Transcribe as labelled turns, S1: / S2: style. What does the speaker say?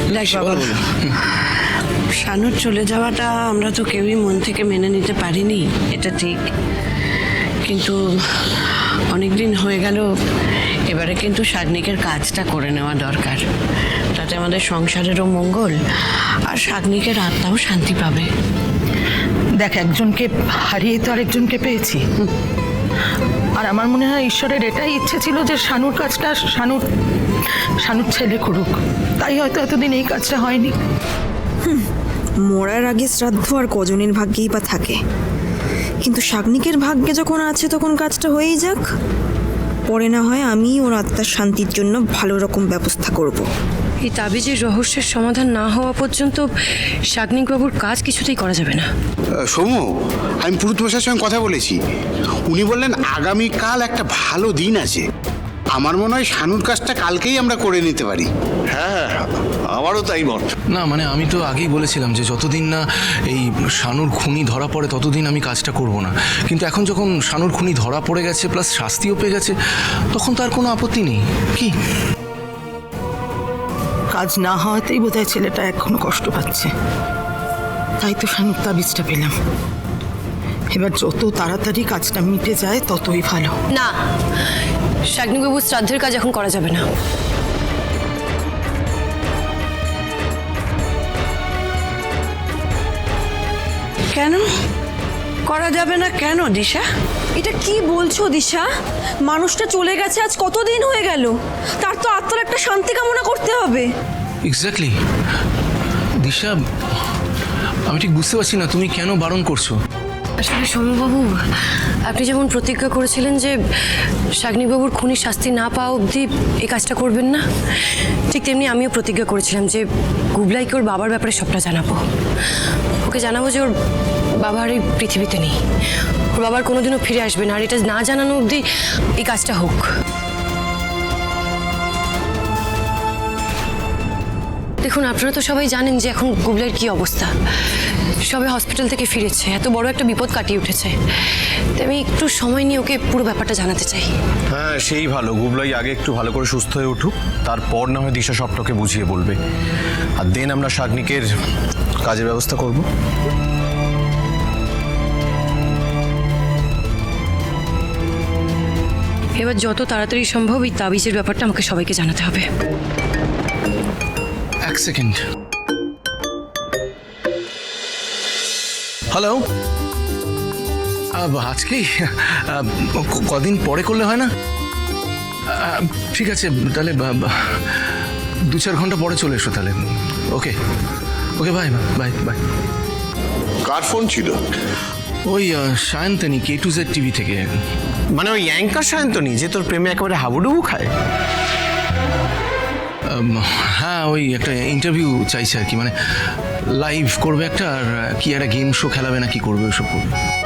S1: দেখ বাবা, শানুর চলে যাওয়াটা আমরা তো কেউই মন থেকে মেনে নিতে পারিনি, এটা ঠিক। কিন্তু অনেক দিন হয়ে গেল, এবারে কিন্তু শাগনিকের কাজটা করে নেওয়া দরকার। তাতে আমাদের সংসারেরও মঙ্গল, আর শাগনিকের আত্মাও শান্তি পাবে।
S2: দেখ, একজনকে হারিয়ে তো আরেকজনকে পেয়েছি। আর আমার মনে হয় ঈশ্বরের এটাই ইচ্ছে ছিল যে শানুর কাজটা শানুর ছেলে করুক। তাই হয়তো এতদিন এই কাজটা হয়নি।
S3: মরার আগে শ্রাদ্ধ আর কজনের ভাগ্যেই বা থাকে, কিন্তু শাগনিকের ভাগ্যে যখন আছে তখন কাজটা হয়েই যাক। পরে না হয় আমি ওর আত্মার শান্তির জন্য ভালো রকম ব্যবস্থা করব।
S4: এই তাবিজের রহস্যের সমাধান না হওয়া পর্যন্ত শাগনিকবাবুর কাজ কিছুতেই করা যাবে না।
S5: সৌম্য, আমি পুরুতমশাইয়ের সঙ্গে কথা বলেছি। উনি বললেন আগামীকাল একটা ভালো দিন আছে। আমার মনে হয় শানুর কাজটা কালকেই আমরা করে নিতে পারি।
S6: হ্যাঁ, আমারও তাই মত।
S7: না মানে আমি তো আগেই বলেছিলাম যে যতদিন না এই শানুর খুনি ধরা পড়ে ততদিন আমি কাজটা করব না। কিন্তু এখন যখন শানুর খুনি ধরা পড়ে গেছে প্লাস শাস্তিও পেয়ে গেছে, তখন তার কোনো আপত্তি নেই। কি
S2: কাজ না হওয়াতেই বোধহয় ছেলেটা এখনো কষ্ট পাচ্ছে। তাই তো শানুর তাবিজটা পেলাম। এবার যত তাড়াতাড়ি কাজটা মিটে যায় ততই ভালো।
S4: না, শাগনিকবাবুর শ্রাদ্ধের কাজ এখন করা যাবে না।
S1: কেন করা যাবে না? কেন দিশা?
S3: এটা কি বলছো দিশা? মানুষটা চলে গেছে আজ কতদিন হয়ে গেল, তার তো আত্মার একটা শান্তি কামনা করতে হবে।
S7: এক্স্যাক্টলি দিশা, আমি ঠিক বুঝতে পারছি না তুমি কেন বারণ করছো।
S4: আসলে সৌম্যবাবু, আপনি যেমন প্রতিজ্ঞা করেছিলেন যে শাগনিকবাবুর খুনির শাস্তি না পাওয়া অবধি এই কাজটা করবেন না, ঠিক তেমনি আমিও প্রতিজ্ঞা করেছিলাম যে গুবলাইকে ওর বাবার ব্যাপারে সবটা জানাবো। ওকে জানাবো যে ওর বাবা আর এই পৃথিবীতে নেই, ওর বাবার কোনোদিনও ফিরে আসবে না, আর এটা না জানানো অবধি এই কাজটা হোক। দেখুন, আপনারা তো সবাই জানেন যে এখন গুবলাইয়ের কী অবস্থা। সবে হসপিটাল থেকে ফিরেছে, এত বড় একটা বিপদ কাটিয়ে উঠেছে। তাই আমি একটু সময় নিয়ে ওকে পুরো ব্যাপারটা জানাতে চাই।
S6: হ্যাঁ, সেই ভালো। গুবলাই আগে একটু ভালো করে সুস্থ হয়ে উঠুক, তারপর না হয় দিশা সবটাকে বুঝিয়ে বলবে। আর দেন আমরা শাগনিকের কাজের ব্যবস্থা করব।
S4: এবার যত তাড়াতাড়ি সম্ভব এই তাবিজের ব্যাপারটা আমাকে সবাইকে জানাতে হবে।
S7: এক সেকেন্ড। হ্যালো, আজকেই কদিন পরে করলে হয় না? ঠিক আছে, তাহলে 2-4 ঘন্টা পরে চলে এসো তাহলে। Okay okay, bye bye bye.
S6: কার ফোন ছিল?
S7: ওই সায়ন্তনী K2Z টিভি থেকে।
S6: মানে ওই অ্যাঙ্কার সায়ন্তনী যে তোর প্রেমে একেবারে হাবুডুবু খায়?
S7: হ্যাঁ, ওই একটা ইন্টারভিউ চাইছে আর কি, মানে লাইভ করবে একটা, আর কি একটা গেম শো খেলাবে না কি করবে, ওসব করবে।